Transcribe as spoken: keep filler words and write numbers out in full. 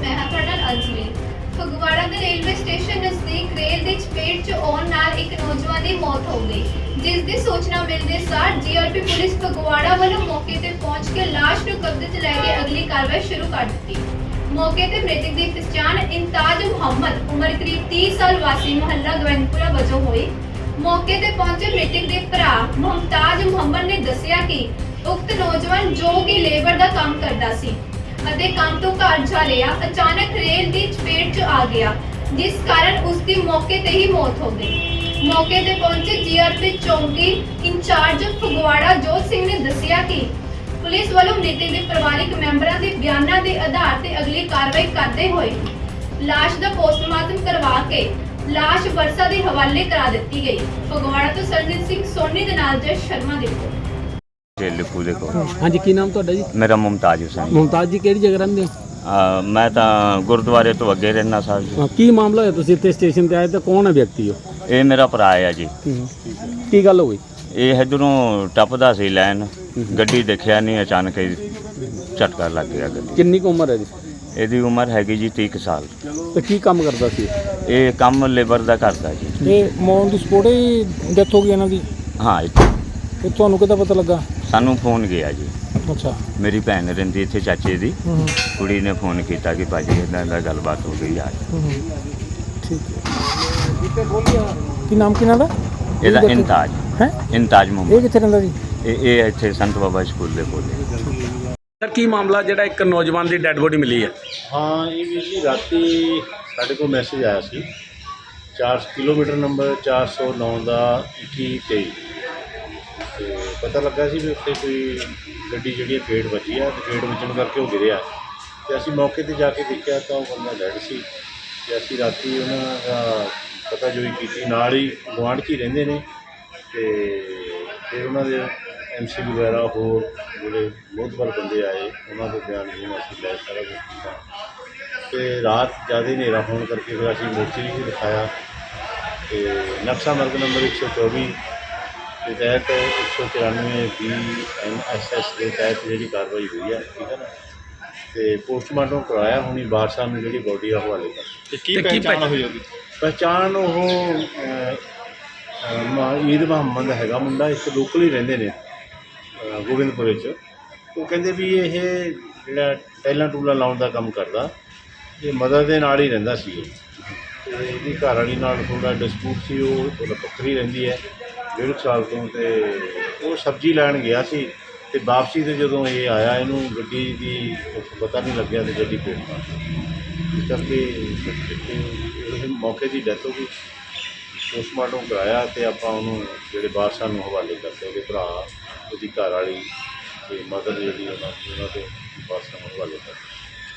मैं हाँ तुहाडे नाल अंजलि। फगवाड़ा के रेलवे स्टेशन नज़दीक रेल की चपेट च आउण नाल एक नौजवान की मौत हो गई, जिस दी सूचना मिलते सार जीआरपी पुलिस फगवाड़ा वालों मौके ते पहुंच के लाश नूं कब्जे च लैके अगली कार्रवाई शुरू कर दी। मौके ते मृतक की पहचान इंताज मुहम्मद उम्र करीब तीस साल वासी मोहल्ला गोविंदपुरा वजों हुई। मौके ते पहुंचे मृतक के भरा मुमताज मुहम्मद ने दस्सिया कि उक्त नौजवान जो कि लेबर का काम करता सी अते काम तो घर जा रहा अचानक रेल की चपेट च आ गया, जिस कारण उसकी मौके ते ही मौत हो गई। मौके ते पहुंचे जीआरपी चौकी इंचार्ज फगवाड़ा जोत सिंह ने दस्सिया कि पुलिस वालों मृतक के परिवारक मैंबरों के बयानों के आधार पर अगली कार्रवाई करते हुए लाश का पोस्टमार्टम करवा के लाश वरसा के हवाले करा दी गई। फगवाड़ा तो सरजीत सिंह सोनी के नाल जय शर्मा ਦੀ ਰਿਪੋਰਟ। ਲਿਖੂ ਦੇ ਕੋਲ। ਹਾਂਜੀ ਕੀ ਨਾਮ ਤੁਹਾਡਾ ਜੀ? ਮੇਰਾ ਮੁਮਤਾਜ ਹੁਸੈਨ। ਮੁਮਤਾਜ ਜੀ ਕਿਹੜੀ ਜਗ੍ਹਾ ਰਹਿੰਦੇ ਹੋ? ਅਹ ਮੈਂ ਤਾਂ ਗੁਰਦੁਆਰੇ ਤੋਂ ਅੱਗੇ ਰਹਿਣਾ ਸਾਹਿਬ ਜੀ। ਹਾਂ, ਕੀ ਮਾਮਲਾ ਹੋਇਆ ਤੁਸੀਂ ਇੱਥੇ ਸਟੇਸ਼ਨ ਤੇ ਆਏ ਤਾਂ ਕੌਣ ਹੈ ਵਿਅਕਤੀ ਉਹ? ਇਹ ਮੇਰਾ ਭਰਾ ਆ ਜੀ। ਕੀ ਗੱਲ ਹੋ ਗਈ? ਇਹ ਇੱਧਰੋਂ ਟੱਪਦਾ ਸੀ ਲੈਣ, ਗੱਡੀ ਦੇਖਿਆ ਨਹੀਂ, ਅਚਾਨਕ ਹੀ ਝਟਕਾ ਲੱਗ ਗਿਆ ਗੱਡੀ। ਕਿੰਨੀ ਕੁ ਉਮਰ ਹੈ ਜੀ? ਇਹਦੀ ਉਮਰ ਹੈਗੀ ਜੀ ਤੀਹ ਕੁ ਸਾਲ। ਤੇ ਕੀ ਕੰਮ ਕਰਦਾ ਸੀ? ਇਹ ਕੰਮ ਲੇਬਰ ਦਾ ਕਰਦਾ ਜੀ। ਇਹ ਮੌਨ ਦੀ ਸਪੋਰਟ ਹੀ ਡੈਥ ਹੋ ਗਈ ਇਹਨਾਂ ਦੀ? ਹਾਂ ਇੱਥੇ ਤੇ ਤੁਹਾਨੂੰ ਕਿੱਦਾਂ ਪਤਾ ਲੱਗਾ? ਸਾਨੂੰ ਫੋਨ ਗਿਆ ਜੀ। ਅੱਛਾ। ਮੇਰੀ ਭੈਣ ਰਹਿੰਦੀ ਇੱਥੇ ਚਾਚੇ ਦੀ ਕੁੜੀ ਨੇ ਫੋਨ ਕੀਤਾ ਕਿ ਭਾਜੀ ਇੱਦਾਂ ਦਾ ਗੱਲਬਾਤ ਹੋ ਗਈ ਆ। ਠੀਕ ਹੈ। ਕੀ ਨਾਮ ਕਿਹਨਾਂ ਦਾ? ਇਹਦਾ ਇੰਤਾਜ ਹੈ। ਇੰਤਾਜ ਇਹ ਮੁਹੰਮਦ। ਕਿੱਥੇ ਰਹਿੰਦਾ ਜੀ? ਇਹ ਇਹ ਇੱਥੇ ਸੰਤ ਬਾਬਾ ਸਕੂਲ ਦੇ ਕੋਲ। ਸਰ ਕੀ ਮਾਮਲਾ ਜਿਹੜਾ ਇੱਕ ਨੌਜਵਾਨ ਦੀ ਡੈੱਡ ਬੋਡੀ ਮਿਲੀ ਹੈ? ਹਾਂ ਇਹ ਵੀ ਜੀ ਰਾਤੀ ਸਾਡੇ ਕੋਲ ਮੈਸੇਜ ਆਇਆ ਸੀ ਚਾਰ ਕਿਲੋਮੀਟਰ ਨੰਬਰ ਚਾਰ ਸੌ ਨੌ ਦਾ ਇੱਕੀ ਤੇਈ ਤੇ ਪਤਾ ਲੱਗਾ ਸੀ ਵੀ ਉੱਥੇ ਕੋਈ ਗੱਡੀ ਜਿਹੜੀ ਗੇਟ ਵੱਜੀ ਆ ਤੇ ਗੇਟ ਵੱਜਣ ਕਰਕੇ ਉਹ ਗਿਰਿਆ ਤੇ ਅਸੀਂ ਮੌਕੇ ਤੇ ਜਾ ਕੇ ਦੇਖਿਆ ਤਾਂ ਉਹ ਬੰਦਾ ਡੈਡ ਸੀ ਤੇ ਅਸੀਂ ਰਾਤੀ ਉਹਨਾਂ ਦਾ ਪਤਾ ਜੋਈ ਕੀਤੀ, ਨਾਲ ਹੀ ਗੁਆਂਢ 'ਚ ਹੀ ਰਹਿੰਦੇ ਨੇ ਤੇ ਫਿਰ ਉਹਨਾਂ ਦੇ ਐਮ ਸੀ ਵਗੈਰਾ ਹੋਰ ਜਿਹੜੇ ਮੋਹਤਬਰ ਬੰਦੇ ਆਏ ਉਹਨਾਂ ਦੇ ਬਿਆਨ ਨੂੰ ਅਸੀਂ ਲੈ ਸਾਰਾ ਕੁਛ ਕੀਤਾ ਤੇ ਰਾਤ ਜ਼ਿਆਦਾ ਹਨੇਰਾ ਹੋਣ ਕਰਕੇ ਫਿਰ ਅਸੀਂ ਮੋਰਚਰੀ ਵੀ ਦਿਖਾਇਆ ਤੇ ਨਕਸ਼ਾ ਮਾਰਗ ਨੰਬਰ ਇੱਕ ਸੌ ਚੌਵੀ ਦੇ ਤਹਿਤ ਇੱਕ ਸੌ ਤਿਰਾਨਵੇਂ ਬੀ ਐਨ ਐਸ ਐਸ ਦੇ ਤਹਿਤ ਜਿਹੜੀ ਕਾਰਵਾਈ ਹੋਈ ਹੈ, ਠੀਕ ਹੈ ਨਾ, ਤੇ ਪੋਸਟਮਾਰਟਮ ਕਰਵਾਇਆ। ਹੁਣੀ ਵਾਰਸਾਂ ਨੂੰ ਜਿਹੜੀ ਬੋਡੀ ਆ ਹਵਾਲੇ ਕਰ। ਤੇ ਕੀ ਪਹਿਚਾਣ ਹੋਈ ਉਹਦੀ? ਪਹਿਚਾਣ ਉਹ ਈਦ ਮੁਹੰਮਦ ਹੈਗਾ ਮੁੰਡਾ, ਇੱਕ ਲੋਕਲ ਹੀ ਰਹਿੰਦੇ ਨੇ ਗੋਬਿੰਦਪੁਰੇ 'ਚ। ਉਹ ਕਹਿੰਦੇ ਵੀ ਇਹ ਜਿਹੜਾ ਟੈਲਾਂ ਟੂਲਾਂ ਲਾਉਣ ਦਾ ਕੰਮ ਕਰਦਾ, ਇਹ ਮਦਰ ਦੇ ਨਾਲ ਹੀ ਰਹਿੰਦਾ ਸੀ ਅਤੇ ਇਹਦੀ ਘਰ ਵਾਲੀ ਨਾਲ ਥੋੜ੍ਹਾ ਡਿਸਪਿਊਟ ਸੀ। ਉਹ ਉਹਦਾ ਪੱਖਰੀ ਰਹਿੰਦੀ ਹੈ ਡੇਢ ਕੁ ਸਾਲ ਤੋਂ, ਅਤੇ ਉਹ ਸਬਜ਼ੀ ਲੈਣ ਗਿਆ ਸੀ ਅਤੇ ਵਾਪਸੀ 'ਤੇ ਜਦੋਂ ਇਹ ਆਇਆ ਇਹਨੂੰ ਗੱਡੀ ਦੀ ਪਤਾ ਨਹੀਂ ਲੱਗਿਆ ਅਤੇ ਗੱਡੀ ਪੇਟ ਮਾਰ ਗਈ। ਇਸ ਕਰਕੇ ਮੌਕੇ ਦੀ ਡੈਥ ਹੋ ਗਈ। ਪੋਸਟਮਾਰਟਮ ਕਰਾਇਆ ਅਤੇ ਆਪਾਂ ਉਹਨੂੰ ਜਿਹੜੇ ਵਾਰਸਾਂ ਨੂੰ ਹਵਾਲੇ ਕਰਦੇ, ਉਹਦੇ ਭਰਾ, ਉਹਦੀ ਘਰ ਵਾਲੀ ਅਤੇ ਮਦਰ ਜਿਹੜੀ ਉਹਨਾਂ ਉਹਨਾਂ ਦੇ ਵਾਰਸਾਂ ਨੂੰ ਹਵਾਲੇ ਕਰਦੇ।